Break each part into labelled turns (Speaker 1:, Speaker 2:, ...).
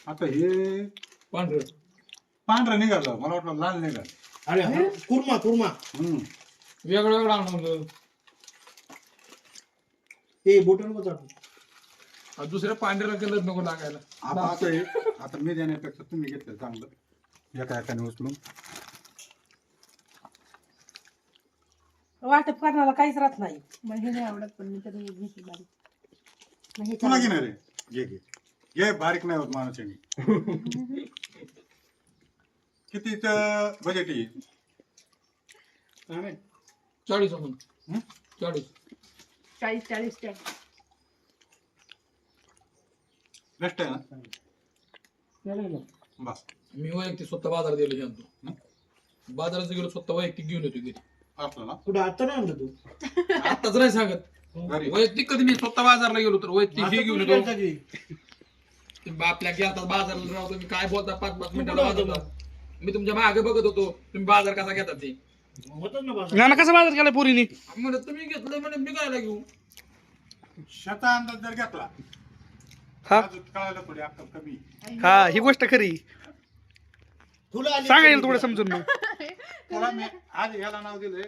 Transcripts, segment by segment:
Speaker 1: आता हे पांढरं निघालं, मला वाटलं लाल निघालं.
Speaker 2: अरे कुर्मा कुर्मा
Speaker 3: वेगळं वेगळं आणून
Speaker 2: हे बोटल मध्ये
Speaker 3: दुसऱ्या पांढऱ्याला कलर नको लागायला.
Speaker 1: आता मी देण्यापेक्षा तुम्ही घेतलं चांगलं एका एकाने उचलून.
Speaker 4: वाटप करण्याला काहीच राहत नाही. मग हे नाही आवडत पण मी तर घेतली बारीक. मग हे
Speaker 1: तुला घेणार आहे घे घे बारीक नाही होत माणूस. कितीच बजेट आहे?
Speaker 3: 40 म्हणून 40
Speaker 4: 40
Speaker 1: बेस्ट आहे ना. बस
Speaker 3: मी वैयक्तिक स्वतः बाजारात गेलो जातो. बाजारात गेलो स्वतः वैयक्तिक घेऊन येतो घरी.
Speaker 1: असलं ना
Speaker 2: कुठं आता नाही आणलं तू
Speaker 3: आताच नाही सांगत.
Speaker 1: घरी
Speaker 3: वैयक्तिक कधी मी स्वतः बाजारला गेलो तर वैयक्तिक हे घेऊन येतो.
Speaker 2: आता
Speaker 3: आपल्या गेलतात बाजाराला राहतो. तुम्ही काय बोलता 5-5 मिनिटाला वाजवता. मी तुमच्या मागे बघत होतो तुम्ही बाजार कसा घेतात ते.
Speaker 2: होतच ना बाजार.
Speaker 5: नाना कसा बाजार केला पोरीने?
Speaker 3: म्हणत तुम्ही घेतलं म्हणे मी काय घेऊ.
Speaker 1: शेता अंदाज जर घेतला
Speaker 5: हा
Speaker 1: अजून कळायला थोडी अक्कल कमी.
Speaker 5: हा ही गोष्ट खरी.
Speaker 2: तुला आली
Speaker 5: सांगा येईल थोडं समजून मग.
Speaker 1: त्याला मी आज याला नाव दिलंय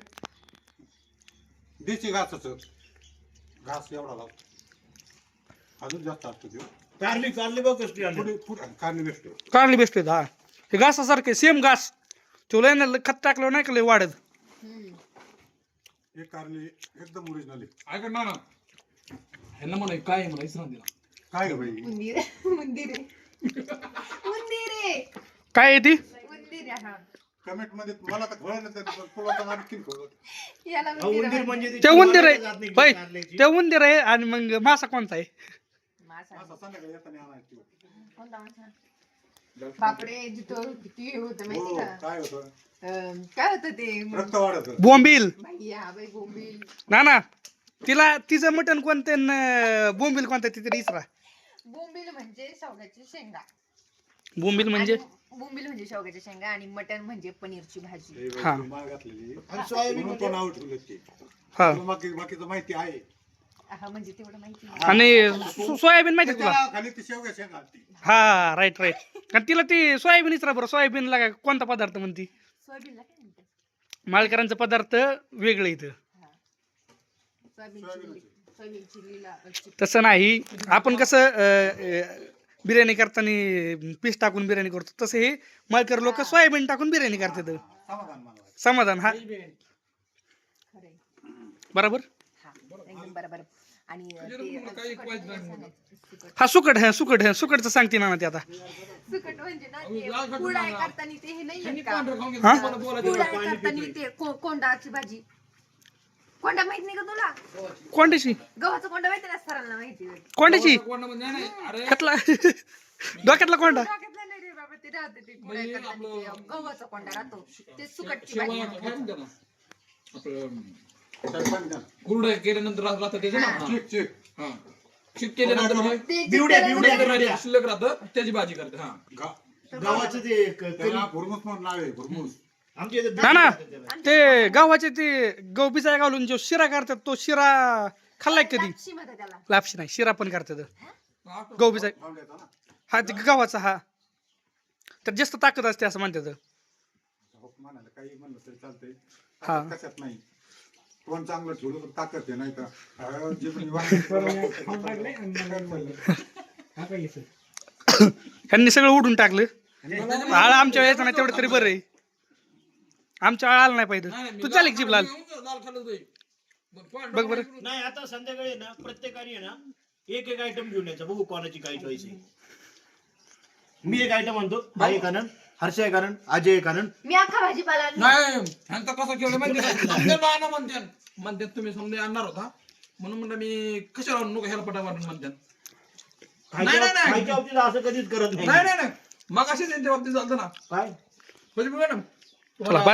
Speaker 1: देशी घासाचं. घास एवढा लावतो, अजून जास्त असतो ते.
Speaker 2: कारली कारली बघ कसली आली.
Speaker 1: पुढे कारली बेस्ट आहे.
Speaker 5: कारली बेस्ट आहेत. हा हे घासासारखे सेम घास तुला ना खत टाकलं नाही का लय वाढत.
Speaker 1: हे कारली एकदम ओरिजिनल आहे.
Speaker 3: ऐका ना ह्यांना म्हणा काय म्हणायचं ना तिला.
Speaker 1: काय ग बाई
Speaker 4: उंदीर
Speaker 5: काय आहे ती?
Speaker 1: कमेंट मध्ये मला तर कळलं नाही, तुला तर आणखीन कळलं.
Speaker 2: उंदीर म्हणजे
Speaker 5: ते उंदीर आहे होय, ते उंदीर आहे. आणि मग मासा कोणता आहे?
Speaker 1: असं संध्याकाळी येताना आणायची.
Speaker 4: बापरे जिथं किती होतं माहिती
Speaker 1: हो,
Speaker 4: का?
Speaker 1: काय होतं
Speaker 4: काय होतं ते
Speaker 1: रक्त वाढत.
Speaker 5: बोंबील.
Speaker 4: भैया बाई बोंबील.
Speaker 5: ना तिला तिचं मटण कोणतं न बोंबील कोणतं ती तरी इसरा.
Speaker 4: बोंबील म्हणजे शेवग्याची शेंगा.
Speaker 5: बोंबील म्हणजे
Speaker 4: आणि बोंबील म्हणजे शेवग्याच्या शेंगा आणि मटण म्हणजे पनीरची भाजी.
Speaker 5: हा.
Speaker 1: माळ घातलेली
Speaker 2: आणि सोयाबीन
Speaker 1: म्हणून तो नाव ठेवलं ते.
Speaker 5: हा.
Speaker 1: तुला बाकीचं माहिती आहे.
Speaker 4: हा म्हणजे तेवढं माहिती नाही.
Speaker 5: आणि सोयाबीन माहिती तुला?
Speaker 1: त्याच्या खाली ती शेवगा शेंगा असते.
Speaker 5: हा राईट आणि तिला ती सोयाबीन इसरा बरं. सोयाबीनला काय कोणता पदार्थ म्हणती?
Speaker 4: सोयाबीनला काय म्हणतात?
Speaker 5: माळकरांचा पदार्थ वेगळं इथं.
Speaker 4: सोयाबीन चिलीला
Speaker 5: तसं नाही. आपण कसं बिर्याणी करताना पीस टाकून बिर्याणी करतो तसं हे मळकर लोक सोयाबीन टाकून बिर्याणी करतात.
Speaker 1: समाधान मानवायचं.
Speaker 5: समाधान. हा
Speaker 4: खरंय.
Speaker 5: बरोबर.
Speaker 4: हा एकदम बरोबर. आणि
Speaker 5: हा सुकटचं सांगते ना ते आता.
Speaker 4: सुकट म्हणजे ना ते कुडाळ करताना ते हे नाही येत का?
Speaker 3: पांढरं खाऊन
Speaker 5: हा?
Speaker 3: घेतो मला बोलायचं.
Speaker 4: कुडाळ करताना ते कोंडाची भाजी. कोंडा माहित नाही का तुला?
Speaker 5: कोंड्याची
Speaker 4: गव्हाचा कोंडा माहिती ना सरांना माहिती.
Speaker 5: कोंड्याची
Speaker 3: कोण म्हणजे नाही अरे
Speaker 5: खतला डोक्यातला कोंडा.
Speaker 4: डोक्यातलं नाही रे बाबा ते राहते ते कुडाळ करताना ते गव्हाचा कोंडा राहतो ते सुकटची भाजी.
Speaker 3: शेवया काय म्हणते ना आपलं
Speaker 1: सरपंच द्या.
Speaker 3: कुरडया केल्यानंतर राहतं त्याचं ना.
Speaker 1: Check check.
Speaker 3: हा शिक केल्यानंतर मग
Speaker 4: ते
Speaker 2: बिवड्या
Speaker 3: नंतर
Speaker 2: बिवड्या
Speaker 3: शिल्लक राहतं त्याची भाजी करते. हा
Speaker 2: गावाचं ते
Speaker 1: त्याला भुरमुस म्हणून नाव आहे भुरमुस.
Speaker 2: आमच्या इथे
Speaker 5: ना ते गव्हाचे ते गहू बिजाय घालून जो शिरा करतात तो शिरा खाल्लाय कधी?
Speaker 4: लापशी म्हणतात त्याला.
Speaker 5: लापशी नाही शिरा पण करतात गहू बिजाय.
Speaker 1: गावड्याचा ना.
Speaker 5: हा ते गव्हाचा. हा तर जास्त ताकद असते असं म्हणतात.
Speaker 1: हो, म्हणायला काही म्हणलं तरी चालतंय.
Speaker 5: हा.
Speaker 1: ताकद कशात नाही. कोण चांगलं ठेवलं तर ताकद आहे नाही का. जे कोणी
Speaker 5: ह्यांनी सगळं उडून टाकलं. आळ आमच्या वेळेचं नाही तेवढं तरी बरं आहे. आमच्या आळ आला नाही पाहिजे. तू चाल एक जीप लाल
Speaker 3: लाल खाल्लं जाईल.
Speaker 5: बघ बरं.
Speaker 2: नाही आता संध्याकाळी ना प्रत्येकाने ना एक एक आयटम घेऊन यायचा. बघू कोणाची काय चॉईस आहे. मी एक आयटम आणतो. भाई कारण हर्षय कारण अजय कारण
Speaker 4: मी अख्खा भाजीपाला आणला.
Speaker 3: नाही ह्यांचा कसं केलं माहिती म्हणतात तुम्ही समजा आणणार होता म्हणून म्हणलं मी कशाला नको ह्याला पटा मारून म्हणतात. नाही.
Speaker 2: खायच्या बाबतीत असं कधीच करत नाही.
Speaker 3: नाही मग असेच त्यांच्या बाबतीत चालतं ना.
Speaker 2: काय
Speaker 3: म्हणजे मॅडम
Speaker 5: चला,